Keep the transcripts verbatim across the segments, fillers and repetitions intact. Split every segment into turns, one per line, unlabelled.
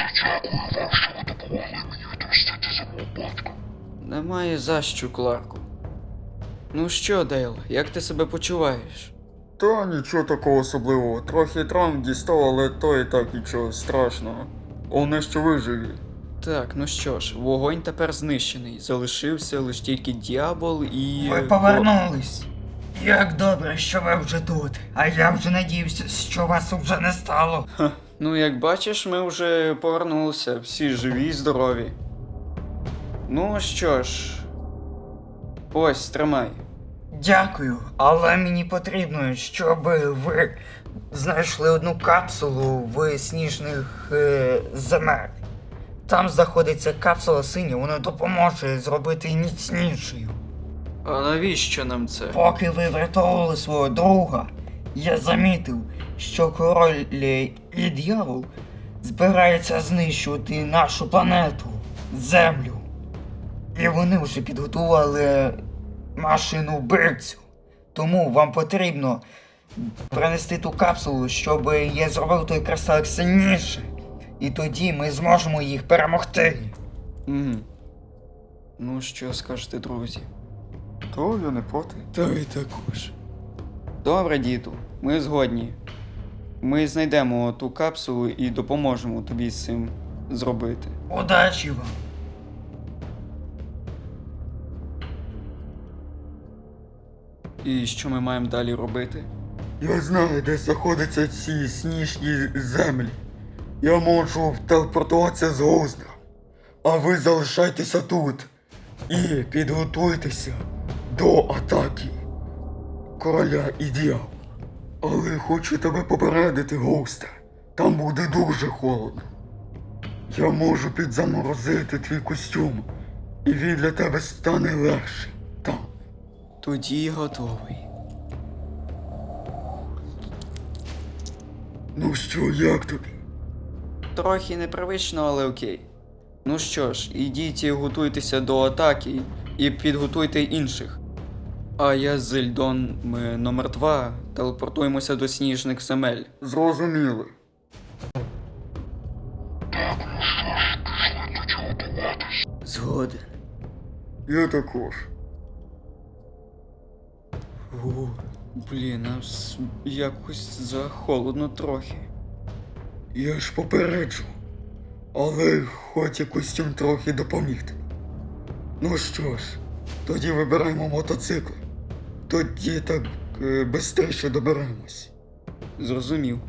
Дякую вам, що ви допомогли мені відомстити за мого батька.
Немає за що, Кларку. Ну що, Дейл, як ти себе почуваєш?
Та нічого такого особливого. Трохи травм дістав, але то і так нічого страшного. Головне, що виживі.
Так, ну що ж, вогонь тепер знищений. Залишився лише тільки дьявол і...
Ви повернулись. Як добре, що ви вже тут. А я вже надіявся, що вас вже не стало.
Ха, ну як бачиш, ми вже повернулися, всі живі і здорові. Ну що ж, ось, тримай.
Дякую, але мені потрібно, щоб ви знайшли одну капсулу в сніжних е, земель. Там знаходиться капсула синя, вона допоможе зробити її міцнішою.
А навіщо нам це?
Поки ви врятовували свого друга, я замітив, що король і дьявол збираються знищувати нашу планету, Землю. І вони вже підготували машину вбивцю. Тому вам потрібно принести ту капсулу, щоб я зробив той кристалик сильніше. І тоді ми зможемо їх перемогти.
Угу. Ну що скажете, друзі?
То я не проти.
Та й також. Добре, діду, ми згодні. Ми знайдемо ту капсулу і допоможемо тобі з цим зробити.
Удачі вам!
І що ми маємо далі робити?
Я знаю, де знаходяться ці сніжні землі. Я можу телепортуватися з Гоузнера. А ви залишайтеся тут. І підготуйтеся до атаки короля і дьявола. Але хочу тебе попередити, Гоустер. Там буде дуже холодно. Я можу підзаморозити твій костюм. І він для тебе стане легший. Там.
Тоді готовий.
Ну що, як тобі?
Трохи непривично, але окей. Ну що ж, ідіть і готуйтеся до атаки і підготуйте інших. А я з Ельдон, ми номер два, телепортуємося до сніжних земель.
Зрозуміли.
Дякую, що ж пішли тоді готуватись.
Згоден.
Я також.
О, блін, а с- якось захолодно трохи.
Я ж попереджу. Але хоч і костюм трохи допоміг тобі. Ну що ж, тоді вибираємо мотоцикл. Тоді так е, бистріше доберемось.
Зрозумів.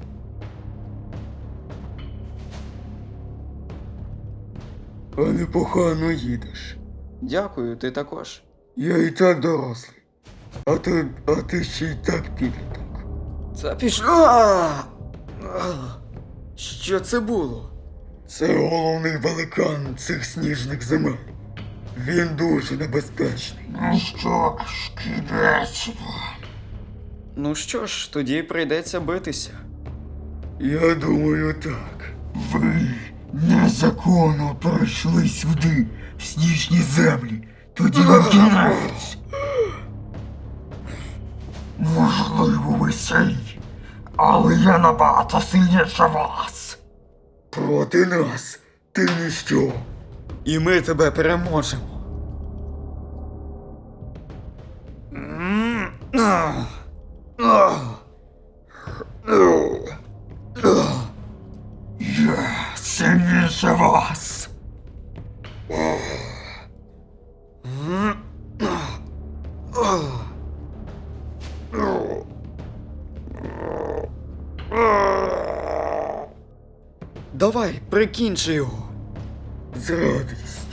А непогано їдеш.
Дякую, ти також.
Я і так дорослий. А ти, а ти ще й так підліток.
Це пішло. А! А! Що це було?
Це головний великан цих сніжних земель. Він дуже небезпечний.
Ну що ж, кінець.
Ну що ж, тоді прийдеться битися.
Я думаю так.
Ви незаконно прийшли сюди, в сніжні землі. Тоді вам кінець. Можливо, ви сильні, але я набагато сильніше вас.
Проти нас ти ніщо.
І ми тебе переможемо.
Я сильніше вас.
Давай, прикінчи його.
З радістю.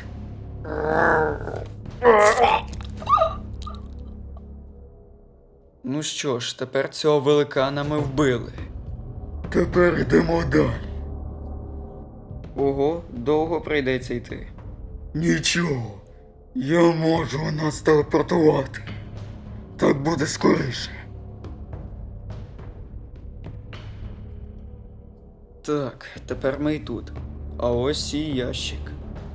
Ну що ж, тепер цього великана ми вбили.
Тепер йдемо далі.
Ого, довго прийдеться йти.
Нічого. Я можу нас телепортувати. Так буде скоріше.
Так, тепер ми й тут. А ось і ящик.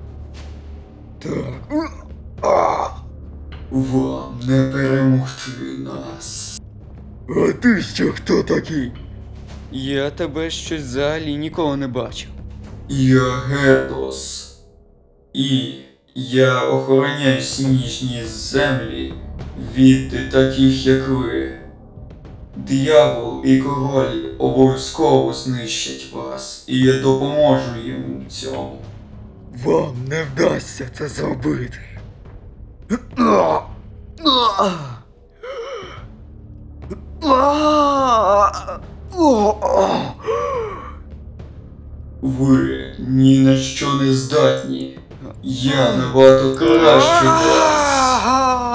Так. А! Вам не перемогти нас. А ти ще хто такий?
Я тебе щось взагалі ніколи не бачив. Я Гердос. І я охороняю сніжні землі від таких, як ви. Диявол і король обов'язково знищать вас, і я допоможу їм в цьому.
Вам не вдасться це зробити.
Ви ні на що не здатні. Я набагато краще вас.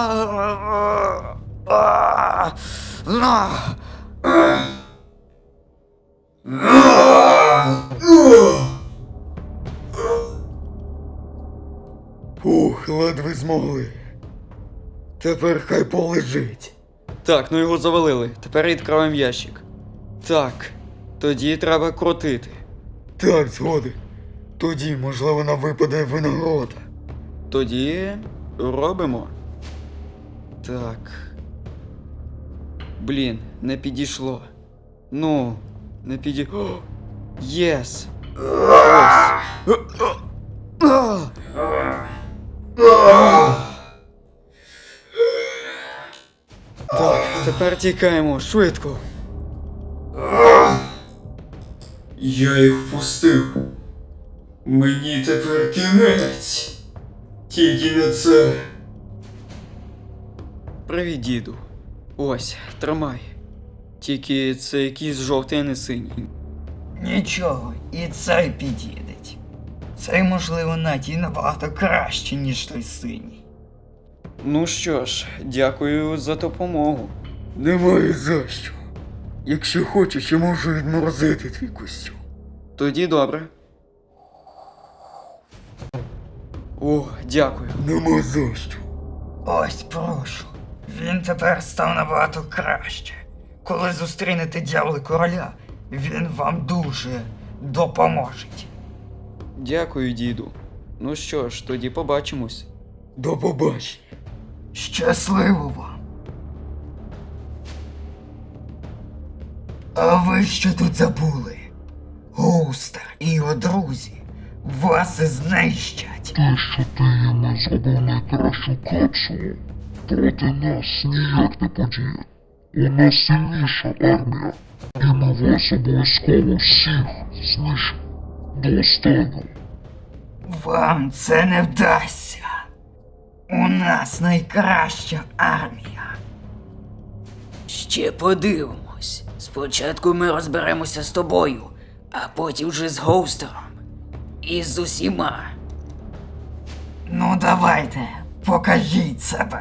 Фух, ледве змогли. Тепер хай полежить.
Так, ну його завалили. Тепер відкриваємо ящик. Так, тоді треба крутити.
Так, згоден. Тоді, можливо, нам випаде винагорода.
Тоді робимо. Так. Блін, не підійшло. Ну, не піді... О, єс! Ось. Так, тепер тікаємо, швидко. Я їх впустив. Мені тепер кінець. Тільки не це. Привіт, діду. Ось, тримай. Тільки це якийсь жовтий, а не синій.
Нічого, і цей підійдеть. Цей, можливо, навіть і набагато краще, ніж той синій.
Ну що ж, дякую за допомогу.
Немає за що. Якщо хочеш, я можу відморозити твій костюм.
Тоді добре. О, дякую.
Нема за що.
Ось прошу. Він тепер став набагато краще. Коли зустрінете дьявола короля, він вам дуже допоможе.
Дякую, діду. Ну що ж, тоді побачимось.
До побачення.
Щасливо вам. А ви що тут забули? Гоустер і його друзі вас знищать.
Те, що ти їм зробив найкращу капсулу, проти нас ніяк не подіє. У нас сильніша армія, і ми вас обов'язково всіх знищимо до останнього.
Вам це не вдасться. У нас найкраща армія.
Ще подивимось. Спочатку ми розберемося з тобою, а потім вже з Гоустером. І з усіма.
Ну давайте, покажіть себе.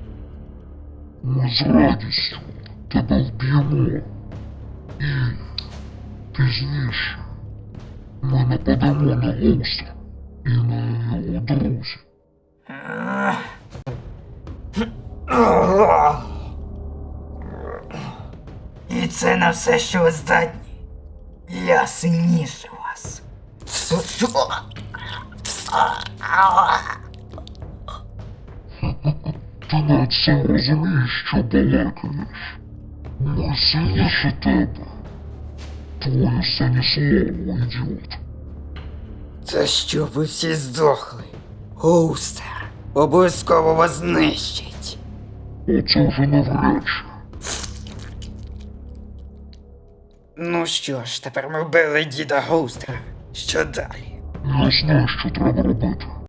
Ми з радістю тебе вб'ємо. І пізніше ми нападемо на Гоустера і на його друзів.
І це на все, що ви здатні. Я сильніше вас.
Ти навіть сам розумієш, що балакаєш. Ми сильніше тебе. Твоє останнє слово, ідіот.
Це що ви всі здохли? Гоустер обов'язково вас знищить.
Оце вже навряд чи.
Ну що ж, тепер ми вбили діда Гоустера. Що далі?
Я знаю, що треба робити.